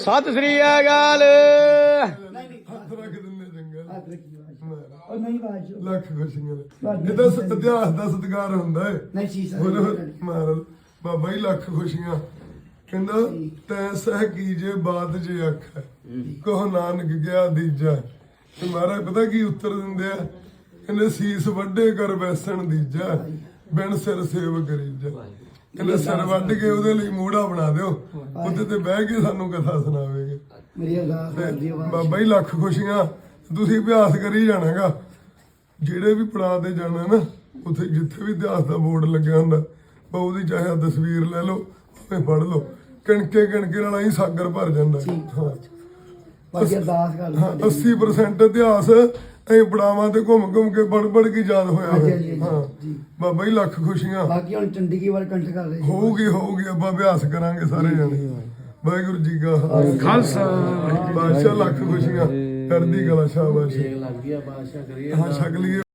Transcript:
ਸਤਿ ਸ੍ਰੀ ਅਕਾਲ। ਹੱਥ ਰੱਖ ਦਿੰਦੇ ਚੰਗਾ। ਉਹ ਨਹੀਂ ਬਾਜੂ ਲੱਖ ਖੁਸ਼ੀਆਂ ਇਹਦਾ ਇਤਿਹਾਸ ਦਾ ਸਤਿਕਾਰ ਹੁੰਦਾ ਹੈ। ਨਹੀਂ ਸੀ ਮਾਰ ਬਾਬਾ ਜੀ ਲੱਖ ਖੁਸ਼ੀਆਂ ਕਹਿੰਦਾ ਤੈਂ ਸਹਿ ਕੀਜੇ ਬਾਤ ਜੇ ਆਖੈ ਕਹੋ ਨਾਨਕ ਗਿਆ ਦੀਜਾ। ਤੇ ਮਹਾਰਾਜ ਪਤਾ ਕੀ ਉੱਤਰ ਦਿੰਦੇ ਆ, ਕਹਿੰਦੇ ਸੀਸ ਵੱਡੇ ਕਰ ਬੈਸਣ ਦੀਜਾ ਬਿਨ ਸਿਰ ਸੇਵ ਕਰੀਜਾ। ਕਹਿੰਦੇ ਸਿਰ ਵੱਢ ਕੇ ਉਹਦੇ ਲਈ ਮੂੜਾ ਬਣਾ ਦਿਓ, ਉਹਦੇ ਤੇ ਬਹਿ ਕੇ ਸਾਨੂੰ ਕਥਾ ਸੁਣਾਵੇਗੇ। ਮੇਰੀ ਅਰਦਾਸ ਕਰਦੀ ਆ ਬਾਬਾ ਜੀ ਲੱਖ ਖੁਸ਼ੀਆਂ। ਤੁਸੀਂ ਅਭਿਆਸ ਕਰੀ ਜਾਣਾਗਾ, ਜਿਹੜੇ ਵੀ ਪੜਾਅ ਤੇ ਜਾਣਾ ਨਾ ਉੱਥੇ ਜਿੱਥੇ ਵੀ ਇਤਿਹਾਸ ਦਾ ਬੋਰਡ ਲੱਗਿਆ ਹੁੰਦਾ ਬਾਬੂ ਦੀ ਚਾਹੇ ਤਸਵੀਰ ਲੈ ਲਓ ਭਾਵੇਂ ਪੜ੍ਹ ਲਓ, ਕਿਣਕੇ ਕਿਣਕੇ ਨਾਲ ਹੀ ਸਾਗਰ ਭਰ ਜਾਂਦਾ। ਹਾਂ ਬਾਕੀ ਅਰਦਾਸ ਕਰਦੀ ਹਾਂ 80% ਇਤਿਹਾਸ ਅਸੀਂ ਪੜਾਵਾਂ ਤੇ ਘੁੰਮ ਘੁੰਮ ਕੇ ਪੜ ਕੇ ਯਾਦ ਹੋਇਆ ਹੋਇਆ। ਹਾਂ ਬਾਬਾ ਜੀ ਲੱਖ ਖੁਸ਼ੀਆਂ। ਬਾਕੀ ਹੁਣ ਚੰਡੀਗੜ੍ਹ ਵਾਰ ਕੰਠ ਕਰ ਰਹੇ ਹੋਊਗੀ ਆਪਾਂ ਅਭਿਆਸ ਕਰਾਂਗੇ ਸਾਰੇ ਜਣੇ। ਵਾਹਿਗੁਰੂ ਜੀ ਕਾ ਖਾਲਸਾ। ਬਾਦਸ਼ਾਹ ਲੱਖ ਖੁਸ਼ੀਆਂ ਕਰਦੀ ਕਲਾ ਸ਼ਾਬਾਸ਼। ਲੱਗਦੀ ਆ ਬਾਦਸ਼ਾਹ ਕਰੀਏ ਹਾਂ ਛਕ ਲਈਏ।